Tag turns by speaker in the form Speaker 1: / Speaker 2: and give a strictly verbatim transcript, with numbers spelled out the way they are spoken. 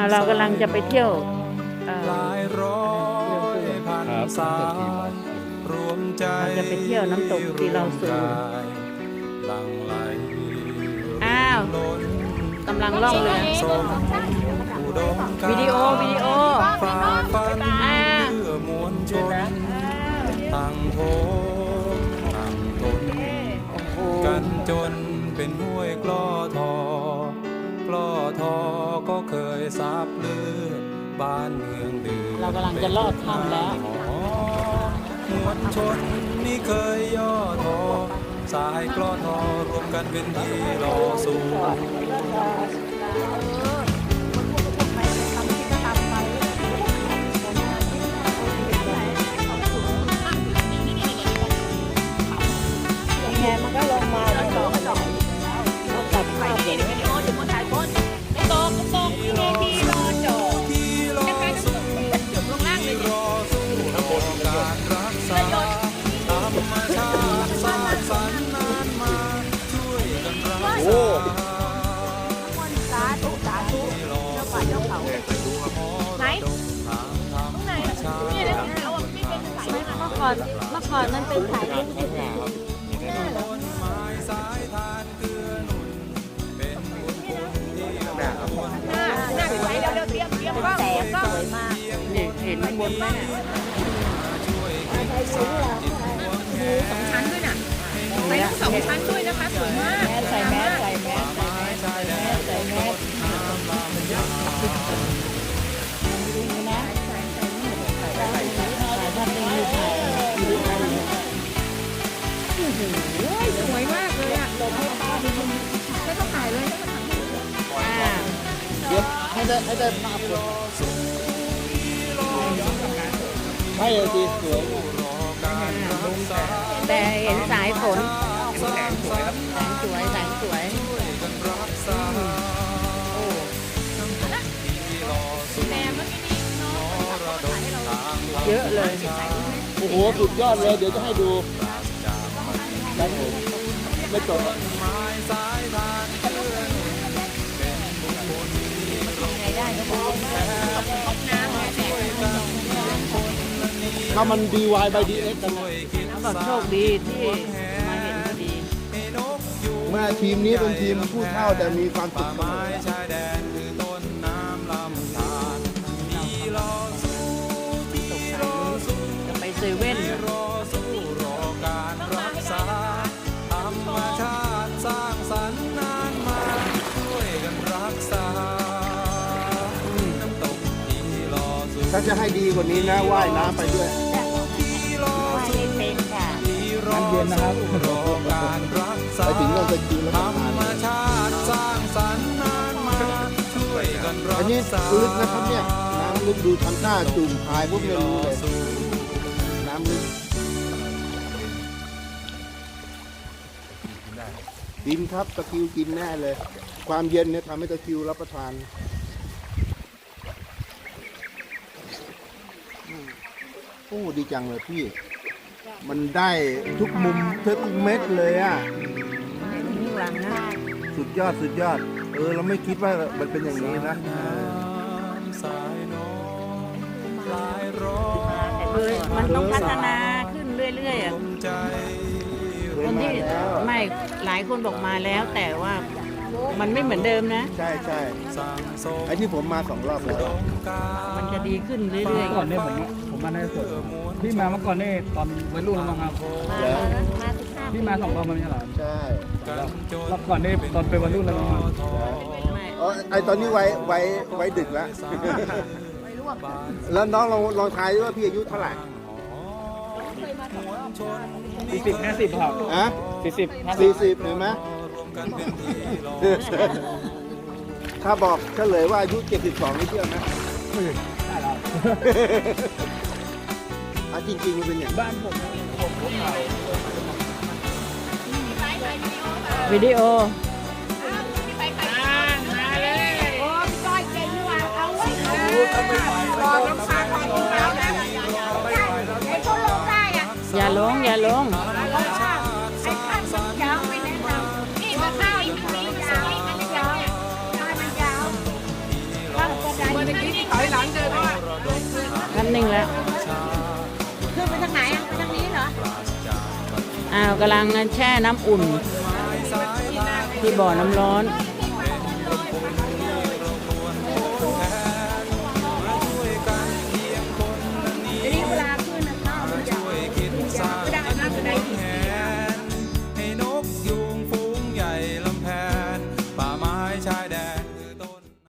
Speaker 1: เรากำลังจะไปเที่ยว
Speaker 2: หลายร้อยพันสายรวมใจ
Speaker 1: เราจะไปเที่ยวน้ำตกที่เราสูง
Speaker 2: หลั่งไหล
Speaker 1: อ้าวกำลังล่องเรือ
Speaker 2: สมอุดมการ
Speaker 1: วิดีโอวิดีโอ
Speaker 2: ฝ่าฟัน
Speaker 1: อ่า
Speaker 2: เพื่อมวลชนตั้งโถตั้งตนกันจนเป็นห้วยกล้อทอกล้อทอก็เคยสาบเลือดบ้านเมืองเดือด
Speaker 1: เรากำลังจะลอดถ้ำแล้ว
Speaker 2: มวลชนนี่เคยย่อทอสายกล้อทอรวมกันเป็นที่รอสู้
Speaker 1: แงมันก็ลงมาแล้วก็ตัดภาพอย่างนี้
Speaker 2: ที่รอสู้ที่รอสู้ที่รอสู้รอการรักษาธรรมชาติสร้างสรรค์นานมาช่วยกันรักษาที่รอสู้เมื่อก่อนเมื่อก่อนมันเป็นสายลูกต้นไม้สายทานเกลือหนุนเป็นบุญคุณที่เรา
Speaker 1: แสงสวยมากนี่เห็นบนไหมเนี่ย
Speaker 2: ช่วยกันสร้างจิตดวงแห่
Speaker 3: สองชั้นด้วยน่ะใส่ทั้งสองชั้นด้วยนะคะสวยมาก
Speaker 1: ใส่แมสใส่แมสใส่แมสใส่แมสใส่แมสนะถ้าเป็นมือถ่าย
Speaker 3: สวยมากเลยอ่ะไม่ต้องถ่ายเลยไม่ต้องถ่าย
Speaker 1: อ่า
Speaker 4: เดี๋ยวให้ได้ให้ได้ภาพก่อนให้เลยสิสวย
Speaker 1: แต่เห็นสายฝนแสงสวยแสงสวยแสงสวยเยอะเลย
Speaker 4: โอ้โหสุดยอดเลยเดี๋ยวจะให้ดูครับผมไม่จบ ถ้ามัน ดี วาย by ดี เอ็กซ์ กัน
Speaker 1: เขาบอกโชคดีที่มาเห็นพอดี
Speaker 4: เมื่อทีมนี้เป็นทีมผู้เท่าแต่มีความสุขเสมอ
Speaker 2: ชายแดนคือต้นน้ำลำธารที่รอสู้ที่รอสู้
Speaker 1: จะไปเซเว่น
Speaker 2: รอสู้รอการรักษาธรรมชาติสร้างสรรค์นานมาช่วยกันรักษาน้ำตกที่รอสู้
Speaker 4: ถ้าจะให้ดีกว่านี้นะว่ายน้ำไปด้วย
Speaker 2: ที่รอสู้
Speaker 1: เป็นค่ะ
Speaker 2: ที่รอสู้รอการรักษา
Speaker 4: ไปถึงนั่นจะกินแล้ว
Speaker 2: ธ
Speaker 4: ก็
Speaker 2: ร
Speaker 4: ทาน
Speaker 2: รมชาติสร้างสรรค์นานมาช่วยกันรั
Speaker 4: อัน
Speaker 2: ก
Speaker 4: นี้
Speaker 2: ษา
Speaker 4: ลึกนะครับเนี่ยน้ำลึกดูทำหน้าจุ่มพายพวกไม่รู้เลย น้ำลึกกินครับตะคริวกินแน่เลย ความเย็นเนี่ยทำให้ตะคริวรับประทานโอ้ดีจังเลยพี่ มันได้ทุกมุมทุกเม็ดเลยอ่ะ
Speaker 1: ข้างหลังนะ
Speaker 4: สุดยอดสุดยอด เออเราไม่คิดว่ามันเป็นอย่างนี้นะ
Speaker 2: สายน้องหลายร้อ
Speaker 1: คือมันต้องพัฒนาขึ้นเรื่อยๆอ่ะ
Speaker 2: ใจ
Speaker 1: คนที่ไม่หลายคนบอกมาแล้ว แต่ว่ามันไม่เหมือนเดิมนะ
Speaker 4: ใช่ใช่
Speaker 2: สั่งสม
Speaker 4: ไอ้ที่ผมมาสองรอบแล้ว
Speaker 1: มันจะดีขึ้นเรื่อย
Speaker 5: ก่อนเนี่ยผมผมมาในสวนพี่มาเมื่อก่อนนี่ตอนวัยรุ่นแล้วมั้งครับ
Speaker 4: แล้ว
Speaker 5: พี่มาสองรอบมันไม่ใช่เหรอ
Speaker 4: ใช่
Speaker 5: รอบก่อนนี่ตอนเป็นวัยรุ่นแล้วมั้งครับ
Speaker 1: ๆไม่
Speaker 4: อ๋อไอตอนนี้ไว้ไว้ไว้ดึกแล้ว แล้วน้องลองลองทายดูว่าพี่อายุเท่าไหร่
Speaker 5: สี่สิบห้าสิบครับ
Speaker 4: อะ
Speaker 5: สี่สิบห้าสิ
Speaker 4: สี่
Speaker 5: บ
Speaker 4: สิบเห็นไหมถ้าบอกเฉลยว่าอายุเจ็ดสิบสองนี่เชื่อไหม
Speaker 5: ได้แล้ว
Speaker 4: อ่ะจริงๆมันเป็นอย่างนั้น
Speaker 5: บ้านผมผมผมเขา
Speaker 1: วิดีโอ อย่าลงอย่าลง
Speaker 3: บ
Speaker 1: นิ่งแล้ว
Speaker 3: ขึ้นไปทางไหนอ่ะไปทางนี้เหรอ
Speaker 1: อ้าวกำลังแช่น้ำอุ่น ที่บ่อน้ำร้อน
Speaker 2: เป็น